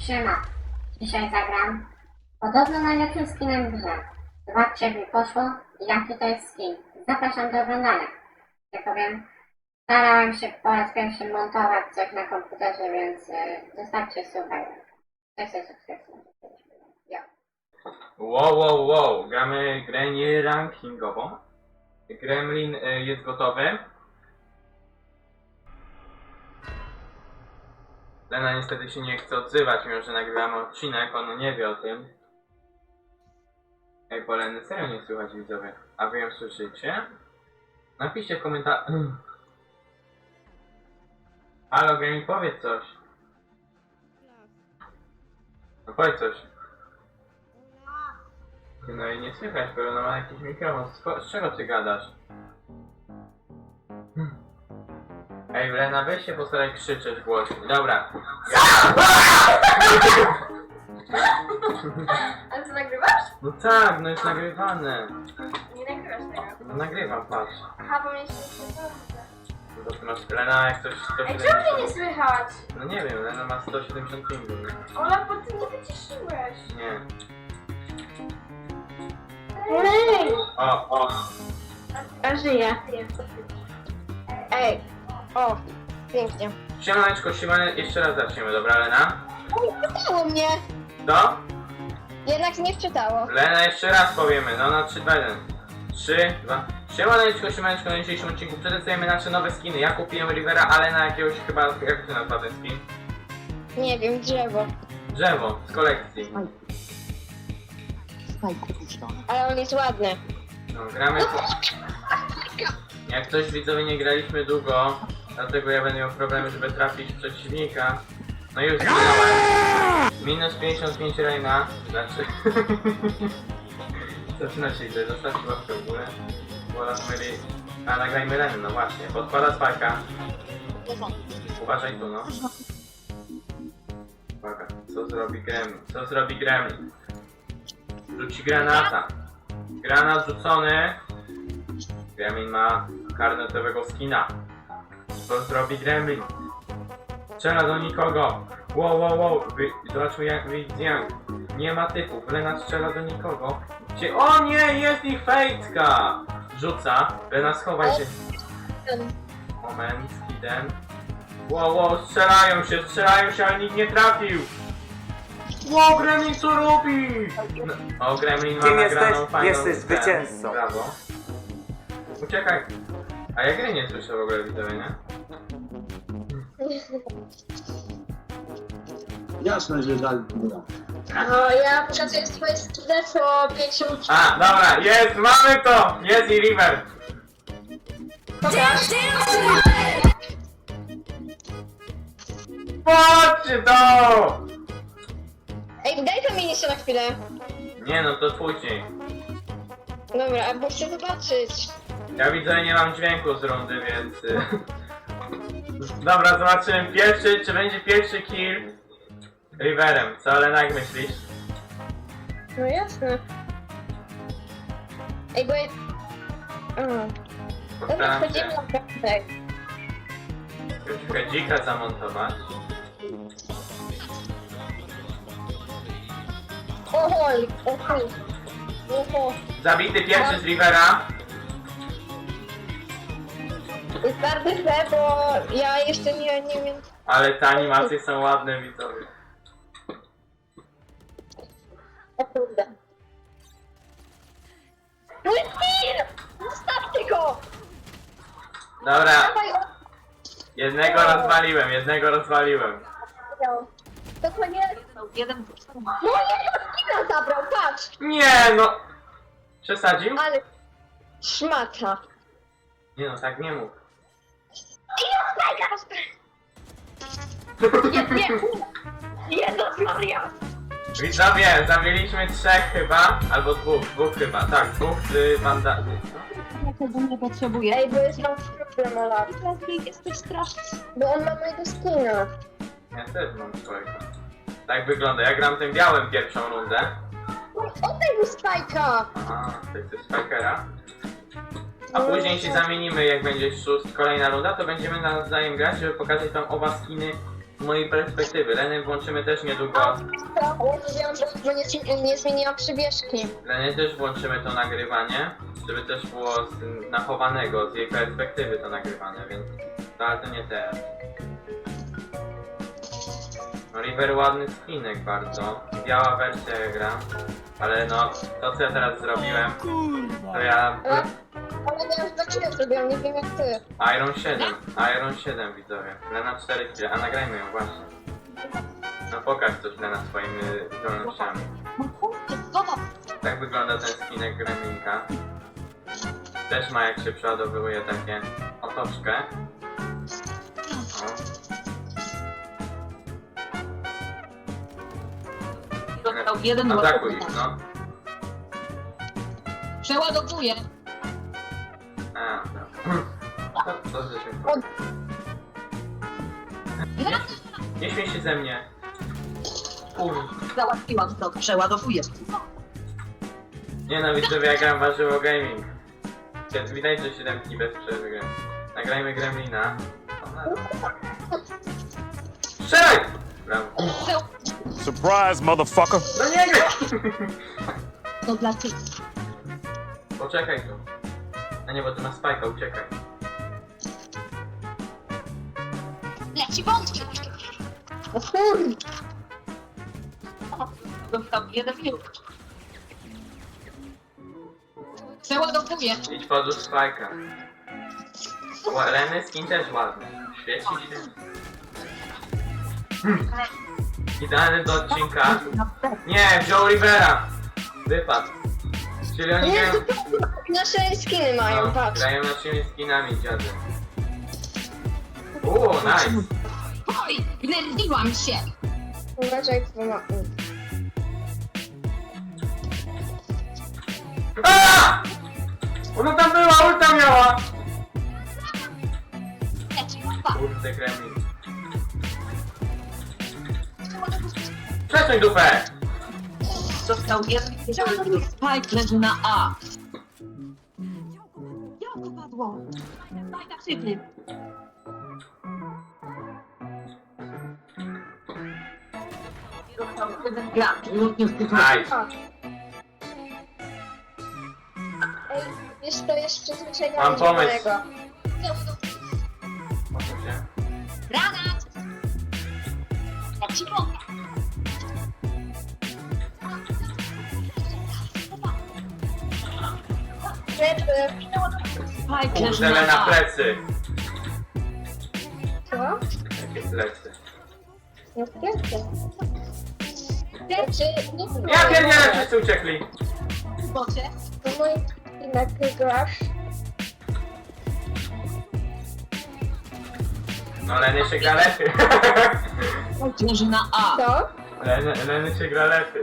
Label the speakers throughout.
Speaker 1: Siema. Dzisiaj zagram podobno najlepszym skinem w grze. Zobaczcie, jak mi poszło i jaki to jest skin. Zapraszam do oglądania. Jak powiem, starałem się po raz pierwszy montować coś na komputerze, więc zostawcie suba. Cześć, subskrypcję. Jo.
Speaker 2: Wow, gramy grę nie rankingową. Gremlin jest gotowy. Lena niestety się nie chce odzywać, mimo że nagrywamy odcinek, on nie wie o tym. Ej, bo Leny serio nie słychać, widzowie. A wy ją słyszycie? Napiszcie w komentarzu. Halo, Gremlin, powiedz coś. No powiedz coś. No i nie słychać, bo ona ma jakiś mikrofon. Z czego ty gadasz? Ej, Lena, weź się postaraj krzyczeć głośno. Dobra.
Speaker 3: Ale co, nagrywasz?
Speaker 2: No tak, no jest nagrywane.
Speaker 3: Nie nagrywasz tego.
Speaker 2: No nagrywam, patrz.
Speaker 3: Aha, bo mieliśmy się
Speaker 2: No to ty masz, Lena, jak coś
Speaker 3: Ej,
Speaker 2: 170...
Speaker 3: czemu mnie nie słychać?
Speaker 2: No nie wiem, Lena ma 170 pingu.
Speaker 3: Ola, bo ty nie wyciszyłeś.
Speaker 2: Nie.
Speaker 3: Ej!
Speaker 2: O.
Speaker 3: A żyję. Ej, o, pięknie.
Speaker 2: Siemaneczko, jeszcze raz zaczniemy, dobra, Lena?
Speaker 3: Nie wczytało mnie.
Speaker 2: To?
Speaker 3: Jednak nie wczytało.
Speaker 2: Lena, jeszcze raz powiemy, no na 3, 2, 1. 3, 2. Siemaneczko, na dzisiejszym odcinku przedstawiamy nasze nowe skiny. Ja kupiłem Rivera, ale na jakiegoś chyba, jak się nazywa ten skin?
Speaker 3: Nie wiem, drzewo.
Speaker 2: Drzewo, z kolekcji.
Speaker 3: Ale on jest ładny.
Speaker 2: No, gramy... Jak coś, widzowie, nie graliśmy długo, dlatego ja będę miał problemy, żeby trafić przeciwnika. No i już zginąłem. Minus 55 Reina. Znaczy... Zaczyna się źle, zostawcie łapkę w górę. Wolas myli... A, nagrajmy Lenę, no właśnie. Podkłada spajka. Uważaj tu, no. Uwaga, co zrobi Gremlin? Co zrobi Gremlin? Rzuci granata. Granat rzucony. Gremlin ma karnetowego skina. Co zrobi Gremlin? Strzela do nikogo. Wow. Zobaczmy jak widzę. Nie ma typów. Lena strzela do nikogo. Gdzie? O nie! Jest ich fejtka! Rzuca. Lena, schowaj się. Moment, skidem. Wow, strzelają się, ale nikt nie trafił. Wow, Gremlin co robi? No, o, Gremlin ma
Speaker 4: Kim
Speaker 2: nagraną
Speaker 4: jesteś?
Speaker 2: fajną
Speaker 4: Jesteś
Speaker 2: ten.
Speaker 4: zwycięzcą.
Speaker 2: Brawo. Uciekaj. A ja gry nie słyszę w ogóle, widzowie, nie?
Speaker 5: Jasne, że tak.
Speaker 3: No, ja pokazuję swoje skille co 5 minut.
Speaker 2: A, dobra, jest, mamy to! Jest i River. Patrzcie to!
Speaker 3: Ej, daj to mi jeszcze na chwilę.
Speaker 2: Nie no, to później.
Speaker 3: Dobra, bo chcę zobaczyć.
Speaker 2: Ja widzę, nie mam dźwięku z rundy, więc... Dobra, zobaczymy pierwszy, czy będzie pierwszy kill Riverem. Co, Lena, jak myślisz?
Speaker 3: No jasne. Ej, bo ja... Dobra,
Speaker 2: Postaram
Speaker 3: wchodzimy
Speaker 2: się
Speaker 3: na piątek.
Speaker 2: troszkę dzika zamontować.
Speaker 3: Ohoj, ohoj. Oho.
Speaker 2: Zabity pierwszy z Rivera.
Speaker 3: Jest bardzo źle, bo ja jeszcze nie wiem...
Speaker 2: Ale te animacje są ładne, widzowie.
Speaker 3: O kurde. No jest tir! Zostawcie go!
Speaker 2: Dobra,
Speaker 3: Dawaj,
Speaker 2: jednego rozwaliłem.
Speaker 3: to nie... Jeden... No nie, skina zabrał, patrz!
Speaker 2: Nie no! Przesadził?
Speaker 3: Ale... Szmata.
Speaker 2: Nie no, tak nie mów.
Speaker 3: Jezus Maria!
Speaker 2: Widzowie, zabiliśmy 3 chyba, albo 2 chyba, tak, 2 z banda...
Speaker 6: Tego nie potrzebuję.
Speaker 3: Ej, bo jest mam problem, Ola.
Speaker 6: Jesteś straszny.
Speaker 3: Bo on ma mojego skina.
Speaker 2: Ja też mam swojego. Tak wygląda, ja gram tym białym pierwszą rundę.
Speaker 3: Oddaj mu spajka!
Speaker 2: Aha, to jest Spikera. A później się zamienimy, jak będzie kolejna runda, to będziemy nawzajem grać, żeby pokazać wam oba skiny z mojej perspektywy. Leny włączymy też niedługo.
Speaker 3: Mówiłam, że nie zmieniłam przybieżki.
Speaker 2: Leny też włączymy to nagrywanie, żeby też było nachowanego z jej perspektywy to nagrywane, więc to, ale to nie teraz. No River ładny skinek bardzo. Biała wersja ja gram. Ale no, to co ja teraz zrobiłem, to ja...
Speaker 3: Ale ja już dlaczego zrobiłam, nie wiem jak ty.
Speaker 2: Iron 7 widzowie. Lena 4 kg, a nagrajmy ją właśnie. No pokaż coś Lena swoimi zdolnościami. Tak wygląda ten skinek Gremlinka. Też ma jak się przeładowuje takie otoczkę. O.
Speaker 6: Dostał jeden
Speaker 2: Atakuj ich, no.
Speaker 6: Przeładowuję.
Speaker 2: A, to że się... Nie śmiej się ze mnie.
Speaker 6: Załatwiłam to. Przeładowuję.
Speaker 2: Nie no, widzowie, ja gram warzywo gaming. Widać, że 7 dni bez przerwy gram. Nagrajmy Gremlina. Strzelaj! Brawo.
Speaker 4: Surprise, motherfucker!
Speaker 2: No nie graj!
Speaker 6: To dla ciebie.
Speaker 2: Poczekaj tu. A nie, bo ty masz spajka, uciekaj.
Speaker 6: Leci wątki.
Speaker 3: O kurde.
Speaker 6: Dostał jeden minut. Przeładowuję.
Speaker 2: Idź podłóż spajka. Leny skin też ładny. Świeci się. Idealny do odcinka. Nie, wziął Rivera. Wypadł. Czyli oni
Speaker 3: Nie,
Speaker 2: grają...
Speaker 3: nasze skiny mają,
Speaker 2: No,
Speaker 3: patrz.
Speaker 2: grają naszymi skinami, dziady. Nice.
Speaker 6: Oj, gnerwiłam się.
Speaker 3: Uważaj, bo ma...
Speaker 2: Aaa! Ona tam była, ulta miała!
Speaker 6: Leci dwa.
Speaker 2: Kurde, Gremlin. Przesuń dupę!
Speaker 6: Dostał jeden minut. Spike leży na A. Jak padło? Daj na szybny. Dostał jeden gracz. Lub nie skutuje.
Speaker 2: Nice.
Speaker 3: Ej, wiesz, to jest przyzwyczajenie
Speaker 2: Mam pomysł.
Speaker 3: mojego.
Speaker 2: Posuń się.
Speaker 6: Granat! Leci bomba.
Speaker 3: Leży.
Speaker 6: Spike leży
Speaker 2: Kurde,
Speaker 6: na
Speaker 2: na
Speaker 6: A.
Speaker 2: plecy.
Speaker 3: Co?
Speaker 2: Jakie plecy.
Speaker 3: Nie wpierdźcie. Leży. Nie
Speaker 2: Ja pierdzielę, wszyscy uciekli.
Speaker 6: W bocie.
Speaker 3: To mój skinek grasz.
Speaker 2: No Leny się gra lepiej.
Speaker 6: Spike leży na A.
Speaker 3: Co?
Speaker 2: Leny się gra lepiej.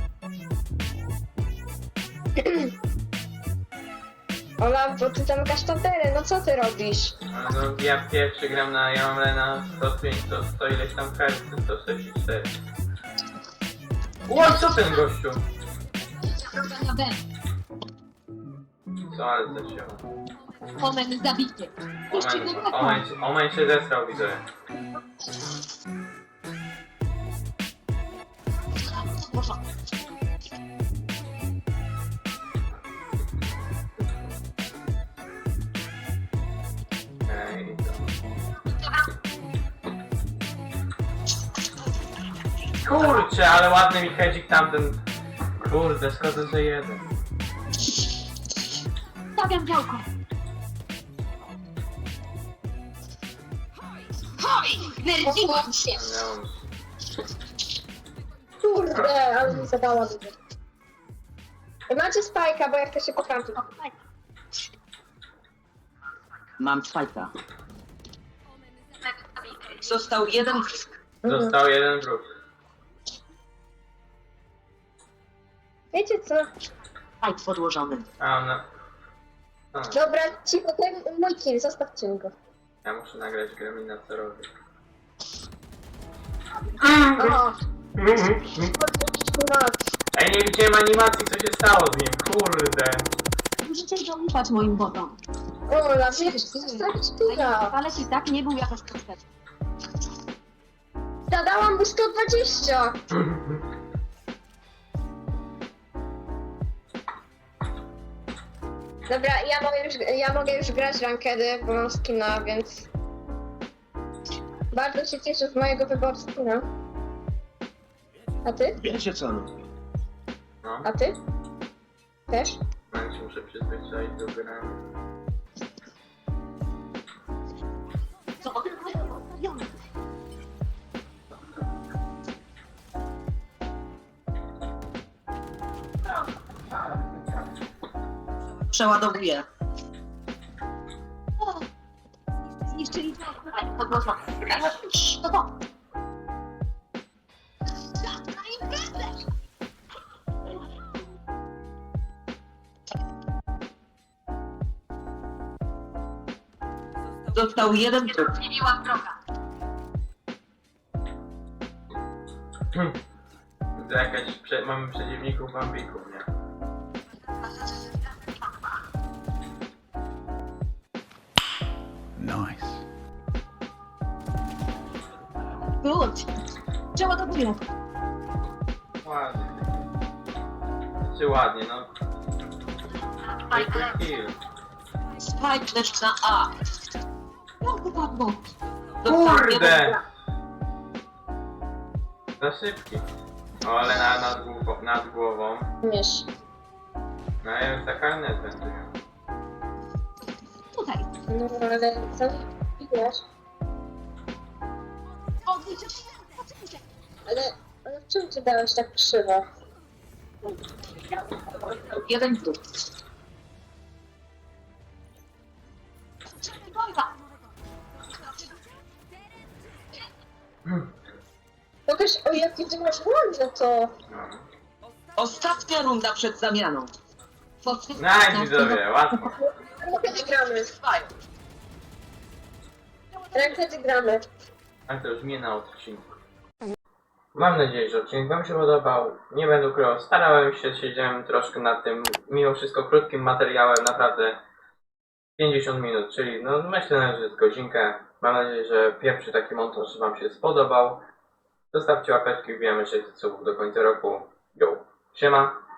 Speaker 3: Ola, bo ty tam kasztatery, no co ty robisz?
Speaker 2: No ja pierwszy gram na... Ja mam Lena 105, 100 ileś tam hercy, 164. Ło, co ten gościu?
Speaker 6: Na B.
Speaker 2: Co, ale to się...
Speaker 6: Omen zabity. Puści go taką.
Speaker 2: Omen się zesrał, widzę. Ej, kurczę, ale ładny mi hedzik tamten. Kurde, szkoda, że jeden.
Speaker 6: Stawiam działko. Hoj! Nerwiłam się.
Speaker 2: Miałem...
Speaker 3: Kurde, ale mi zadała dużo. Macie spajka, bo ja chcę się pokręcić.
Speaker 6: Mam spajka. Został jeden.
Speaker 2: Został jeden wróg.
Speaker 3: Wiecie co?
Speaker 6: Spajk podłożony.
Speaker 2: A no. No,
Speaker 3: Dobra, cicho, ten mój kill, zostawcie mi go.
Speaker 2: ja muszę nagrać Gremlina, co robię.
Speaker 3: O, no,
Speaker 2: Ej, nie widziałem animacji, co się stało z nim, kurde.
Speaker 6: Musicie zaufać moim botom.
Speaker 3: Ola, wiesz, to jest tak sztuka.
Speaker 6: Ale i tak nie był jakoś prospekt.
Speaker 3: Zadałam mu 120. Dobra, ja mogę już grać rankedy, bo mam skina, więc... Bardzo się cieszę z mojego wyboru skina. A ty?
Speaker 5: Wiecie co? No.
Speaker 2: No,
Speaker 3: A ty? Też?
Speaker 2: ja się muszę przyzwyczaić do gry.
Speaker 6: Przeładowuję. Zniszczyli podnoszą. To to. Został jeden trup.
Speaker 2: To jakaś... mamy przeciwników bambików, nie?
Speaker 4: Nice.
Speaker 6: Wyłącz. Przeładowuję.
Speaker 2: Ładnie. Czy ładnie, no. Triple kill.
Speaker 6: Spike lecz na A. No to padło.
Speaker 2: Kurde! Za szybki. O, ale nad głową.
Speaker 3: Mysz.
Speaker 2: No ja już za karnet będę.
Speaker 6: Tutaj.
Speaker 3: No ale co? Wiesz?
Speaker 6: O, widzicie?
Speaker 3: Ale w czym ty dałeś tak krzywo?
Speaker 6: Jeden trup.
Speaker 3: Pokaż, o jaki ty masz ładne to.
Speaker 2: No.
Speaker 6: Ostatnia runda przed zamianą.
Speaker 2: Nice, widzowie, łatwo.
Speaker 3: Kiedy gramy? Kiedy gramy?
Speaker 2: Ale to już mnie na odcinku. Mam nadzieję, że odcinek wam się podobał. Nie będę ukrywał, starałem się, siedziałem troszkę nad tym, mimo wszystko krótkim materiałem, naprawdę 50 minut, czyli no myślę, że z godzinkę. Mam nadzieję, że pierwszy taki montaż wam się spodobał. Zostawcie łapeczki, wbijamy 600 subów do końca roku. Yo, siema!